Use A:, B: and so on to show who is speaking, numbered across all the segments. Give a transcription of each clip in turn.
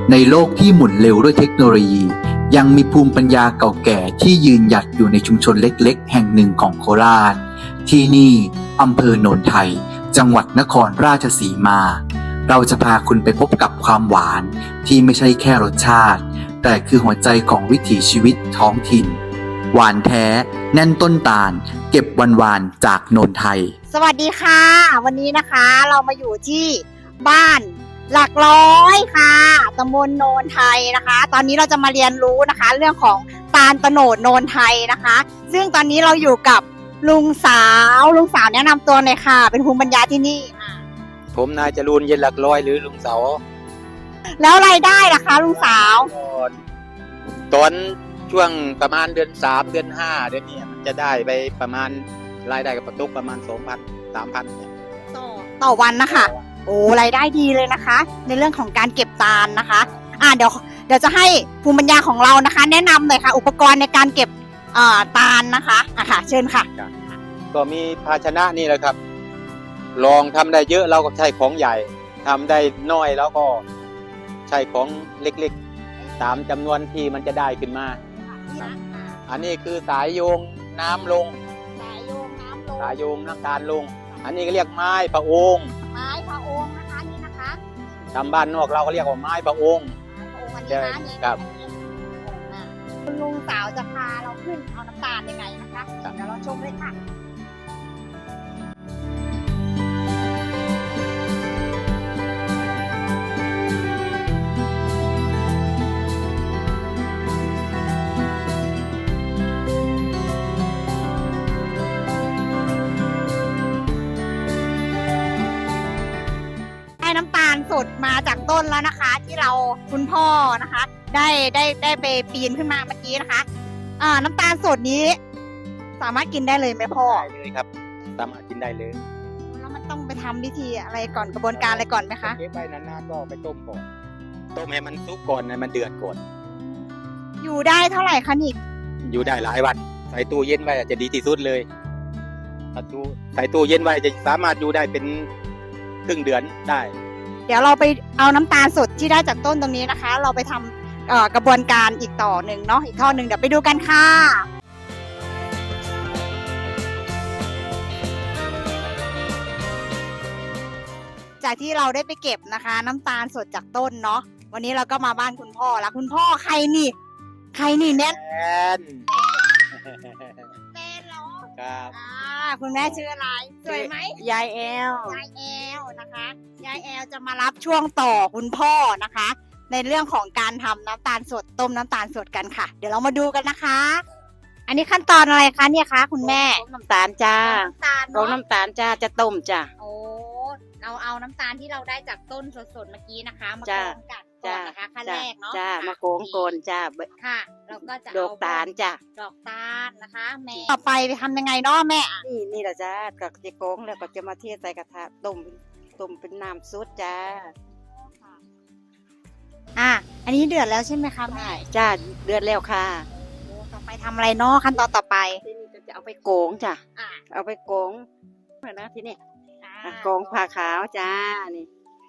A: ในโลกที่หมุนเร็วด้วยเทคโนโลยียังมีภูมิปัญญาเก่าแก่ที่ยืนหยัดอยู่ในชุมชนเล็กๆแห่งหนึ่งของโคราชที่นี่อำเภอโนนไทยจังหวัดนครราชสีมาเราจะพาคุณไปพบกับความหวานที่ไม่ใช่แค่รสชาติแต่คือหัวใจของวิถีชีวิตท้องถิ่นหวานแท้แน่นต้นตาลเก็บวันๆจากโนนไทย
B: สวัสดีค่ะวันนี้นะคะเรามาอยู่ที่บ้านหลักร้อยค่ะตำบลโนนไทยนะคะตอนนี้เราจะมาเรียนรู้นะคะเรื่องของตาลโตนดโนนไทยนะคะซึ่งตอนนี้เราอยู่กับลุงสาวแนะนำตัวหน่อยค่ะเป็นภูมิปัญญาที่นี่
C: ผมนายจรูนเย็นหลักร้อยหรือลุงเสา
B: แล้วรายได้ล่ะคะลุงสาว
C: ตอนช่วงประมาณเดือน3เดือน5เดือนนี้มันจะได้ไปประมาณรายได้กับประตุกประมาณ 2,000 3,000 เนี่ย
B: ต่อวันนะคะโอ้รายได้ดีเลยนะคะในเรื่องของการเก็บตาลนะคะเดี๋ยวจะให้ภูมิปัญญาของเรานะคะแนะนำหน่อยค่ะอุปกรณ์ในการเก็บตาลนะคะค่ะเชิญค่ะ
C: ก็มีภาชนะนี่แหละครับลองทำได้เยอะเราก็ใช้ของใหญ่ทำได้น้อยแล้วก็ใช้ของเล็กๆตามจำนวนที่มันจะได้ขึ้นมาอันนี้คือสายโยงน้ำลงสายโยงน้ำตาลลงอันนี้ก็เรียกไม้พระองค์
B: นะคะนี่นะคะ
C: ตามบ้านนอกเราก็เรียกว่าไม้พระองค์
B: อันนี้นะครับคุณลุงสาวจะพาเราขึ้นเอาน้ำตาลยังไงนะคะเดี๋ยวเราชมเลยค่ะน้ำตาลสดมาจากต้นแล้วนะคะที่เราคุณพ่อนะคะได้ไปปีนขึ้นมาเมื่อกี้นะคะน้ำตาลสดนี้สามารถกินได้เลยไหมพ่อ
C: ได้เลยครับสามารถกินได้เลย
B: แล้วมันต้องไปทำวิธีอะไรก่อนกระบวนการอะไรก่อนไหมคะ
C: เก็บไว้นานๆก็ไปต้มก่อนต้มให้มันสุกก่อนให้มันเดือดก่อน
B: อยู่ได้เท่าไหร่คะนี่
C: อยู่ได้หลายวันใส่ตู้เย็นไว้จะดีที่สุดเลยใส่ตู้เย็นไว้จะสามารถอยู่ได้เป็นครึ่งเดือนได้
B: เดี๋ยวเราไปเอาน้ำตาลสดที่ได้จากต้นตรงนี้นะคะเราไปทำกระบวนการอีกต่อหนึ่งเนาะอีกท่อหนึ่งเดี๋ยวไปดูกันค่ะจากที่เราได้ไปเก็บนะคะน้ำตาลสดจากต้นเนาะวันนี้เราก็มาบ้านคุณพ่อแล้วคุณพ่อใครนี่แน่นเหรอ
C: ครับ
B: คุณแม่ชื่ออะไรสวยไหม
D: ยายแอล
B: นะคะยายแอลจะมารับช่วงต่อคุณพ่อนะคะในเรื่องของการทำน้ำตาลสดต้มน้ำตาลสดกันค่ะเดี๋ยวเรามาดูกันนะคะอันนี้ขั้นตอนอะไรคะเนี่ยคะคุณแม่
D: น้ำตาลจ้าต้มน้ำตาลจ้าจะต้มจ้า
B: โอ้เราเอาน้ำตาลที่เราได้จากต้นสดๆเมื่อกี้นะคะมากรองกันก่อนนะคะขั้นแรกเนาะ
D: จ้ามาโกงโกนจ้า
B: ค่ะเราก็จะ
D: ดอกตาลจ้า
B: ดอกตาลนะคะแม่ต่อไปทำยังไงเนาะแม่
D: นี่แหละจ้าก็จะโกงแล้วก็จะมาเทใส่กระทะต้มเป็นน้ำซุปจ้า
B: อันนี้เดือดแล้วใช่ไหมคะแม่
D: จ้าเดือดแล้วค่ะ
B: ต่อไปทำอะไรเนาะขั้นตอนต่อไป
D: ทีนี้จะเอาไปโกงจ้าเอาไปโกงนะทีนี้โกงผ้าขาวจ้านี่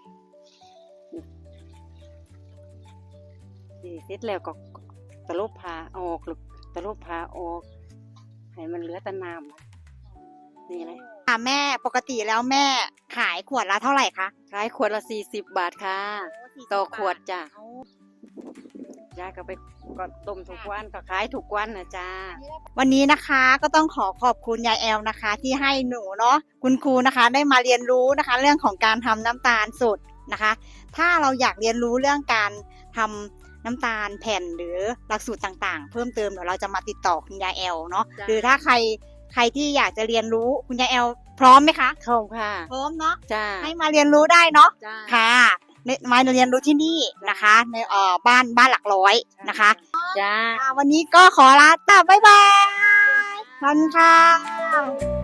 D: เสร็จแล้วก็ตะลุบผ้าออกตะลุบผ้าออกให้มันเหลือแต่น้ำนี่เลย
B: แม่ปกติแล้วแม่ขายขวดละเท่าไหร่คะ
D: ขายขวดละ40 บาทค่ะต่อขวดจ้าจ้าก็ไปก็ต้มทุกวันก็ขายทุกวันนะจ้า
B: วันนี้นะคะก็ต้องขอบคุณยายแอลนะคะที่ให้หนูเนาะคุณครูนะคะได้มาเรียนรู้นะคะเรื่องของการทำน้ำตาลสดนะคะถ้าเราอยากเรียนรู้เรื่องการทำน้ำตาลแผ่นหรือหลักสูตรต่างๆเพิ่มเติมเดี๋ยวเราจะมาติดต่อคุณยายแอลเนาะหรือถ้าใครที่อยากจะเรียนรู้คุณยายแอลพร้อมไหมคะ
D: พร้อมค่ะ
B: พร้อมเนาะ
D: ให้
B: มาเรียนรู้ได้เนาะค่ะมาเรียนรู้ที่นี่นะคะในบ้านหลักร้อยนะคะ
D: จ้า
B: วันนี้ก็ขอลาบ๊ายบายขอบคุณค่ะ